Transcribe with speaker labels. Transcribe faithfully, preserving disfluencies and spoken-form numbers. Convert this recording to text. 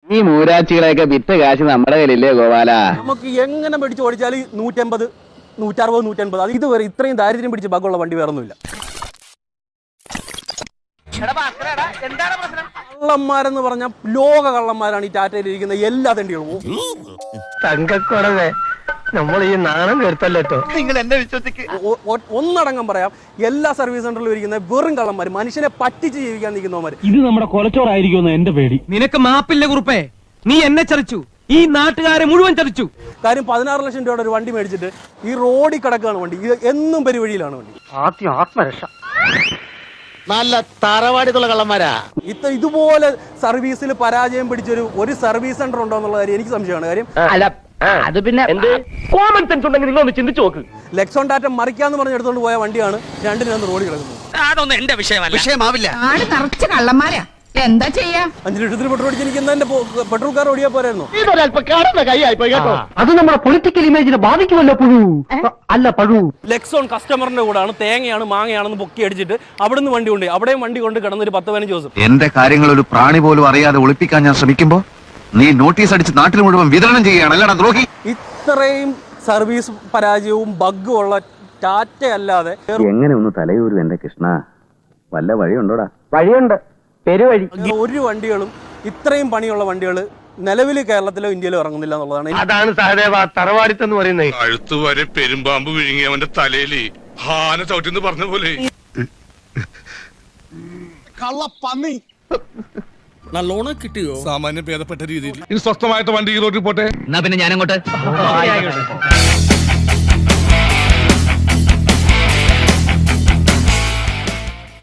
Speaker 1: ഈ മൂരാച്ചികളെയൊക്കെ വിറ്റ് കാശ് നമ്മുടെ കയ്യിലില്ലേ ഗോപാല?
Speaker 2: നമുക്ക് എങ്ങനെ പിടിച്ച് ഓടിച്ചാൽ നൂറ്റമ്പത് നൂറ്ററുപത് നൂറ്റമ്പത് അത് ഇതുവരെ ഇത്രയും ദാരിദ്ര്യം പിടിച്ച് ബഗ്ഗുള്ള വണ്ടി വേറൊന്നുമില്ല. കള്ളന്മാരെന്ന് പറഞ്ഞാൽ ലോക കള്ളന്മാരാണ് ഈ ടാറ്റയിൽ ഇരിക്കുന്ന എല്ലാ തണ്ടികളും.
Speaker 3: തങ്കക്കുറവേ നമ്മൾ ഈ നാണം കേട്ടല്ലോ.
Speaker 4: നിങ്ങൾ എന്നെ വിശ്വസിക്ക്.
Speaker 2: ഒന്നടങ്കം പറയാം, എല്ലാ സർവീസ് സെന്ററിലും ഇരിക്കുന്ന വെറും കള്ളന്മാർ, മനുഷ്യനെ പറ്റിച്ച് ജീവിക്കാൻ നിൽക്കുന്നവന്മാർ.
Speaker 5: ഇത് നമ്മുടെ കൊലച്ചോറായിരിക്കുമെന്ന് എന്റെ പേടി.
Speaker 3: നിനക്ക് മാപ്പില്ല കുറുപ്പേ, നീ എന്നെ ചതിച്ചു, ഈ നാട്ടുകാരെ മുഴുവൻ ചതിച്ചു.
Speaker 2: കാര്യം പതിനാറ് ലക്ഷം രൂപയുടെ ഒരു വണ്ടി മേടിച്ചിട്ട് ഈ റോഡിൽ കിടക്കുകയാണ് വണ്ടി. ഇത് എന്നും പെരുവഴിയിലാണ് വണ്ടി.
Speaker 3: ആദ്യം ആത്മരക്ഷ.
Speaker 4: നല്ല തറവാടിത്തുള്ള കള്ളന്മാരാ.
Speaker 2: ഇത്ര ഇതുപോലെ സർവീസിൽ പരാജയം പിടിച്ചൊരു ഒരു സർവീസ് സെന്റർ ഉണ്ടോ എന്നുള്ള കാര്യം എനിക്ക് സംശയമാണ്. കാര്യം
Speaker 3: അല്ല അത് പിന്നെ കോമൺ സെൻസ് ഉണ്ടെങ്കിൽ നിങ്ങൾ ഒന്ന് ചിന്തിച്ചു നോക്ക്.
Speaker 2: ലെക്സോൺ ടാറ്റ മറിക്കാന്ന് പറഞ്ഞ് എടുത്തോണ്ട് പോയ വണ്ടിയാണ് രണ്ടിനും റോഡിൽ കിടക്കുന്നത്.
Speaker 3: അതൊന്നും എന്റെ വിഷയമല്ല.
Speaker 4: വിഷയമാവില്ല.
Speaker 6: ആട് നിറച്ച് കള്ളന്മാരാ, എന്താ ചെയ്യാ?
Speaker 2: അഞ്ചു ലക്ഷത്തിന് പെട്രോൾ അടിച്ച് എനിക്ക് എന്റെ പെട്രോൾ കാർ ഓടിയാ പോരായിരുന്നു.
Speaker 3: അത് നമ്മുടെ പൊളിറ്റിക്കൽ ഇമേജിനെ ബാധിക്കുമല്ലോ പുഴു. അല്ല പഴു.
Speaker 2: ലെക്സോൺ കസ്റ്റമറിന്റെ കൂടാണ് തേങ്ങയാണ് മാങ്ങയാണെന്ന് പൊക്കി അടിച്ചിട്ട് അവിടുന്ന് വണ്ടി കൊണ്ട് അവിടെയും വണ്ടി കൊണ്ട് കിടന്നൊരു പത്ത് പതിനഞ്ച് ദിവസം.
Speaker 7: എന്റെ കാര്യങ്ങൾ ഒരു പ്രാണി പോലും അറിയാതെ ഒളിപ്പിക്കാൻ ഞാൻ ശ്രമിക്കുമ്പോ നീ നോട്ടീസ് അടിച്ച് നാട്ടിൽ മുഴുവൻ വിതരണം ചെയ്യുകയാണ്, അല്ലടാ ദ്രോഹി.
Speaker 2: ഇത്രയും സർവീസ് പരാജയവും ബഗ്ഗും ഉള്ള ടാറ്റ അല്ലാതെ
Speaker 1: എങ്ങനെ ഒന്ന് തലയൂരും എന്റെ കൃഷ്ണ? വല്ല വഴിയുണ്ടോടാ?
Speaker 3: വഴിയുണ്ട്, പെരുവഴി.
Speaker 2: ഒരു വണ്ടികളും ഇത്രയും പണിയുള്ള വണ്ടികൾ നിലവിൽ കേരളത്തിലോ ഇന്ത്യയിലോ ഇറങ്ങുന്നില്ല എന്നുള്ളതാണ്.
Speaker 3: അതാണ് സഹദേവ തറവാടിത്തെന്ന് പറയുന്നത്.
Speaker 8: അഴുത്തു വരെ പെരുമ്പാമ്പ് വിഴുങ്ങി അവന്റെ തലയില് ഹാന ചവിട്ടിന്ന് പറഞ്ഞ പോലെ.
Speaker 4: കള്ളപ്പന്നി
Speaker 8: നല്ലോണം കിട്ടിയോ? സാമാന്യം ഭേദപ്പെട്ട രീതിയിൽ ഇനി സ്വസ്ഥമായിട്ട് വണ്ടി ഈ റോഡിൽ പോട്ടെ.
Speaker 3: എന്നാ പിന്നെ ഞാനങ്ങോട്ട്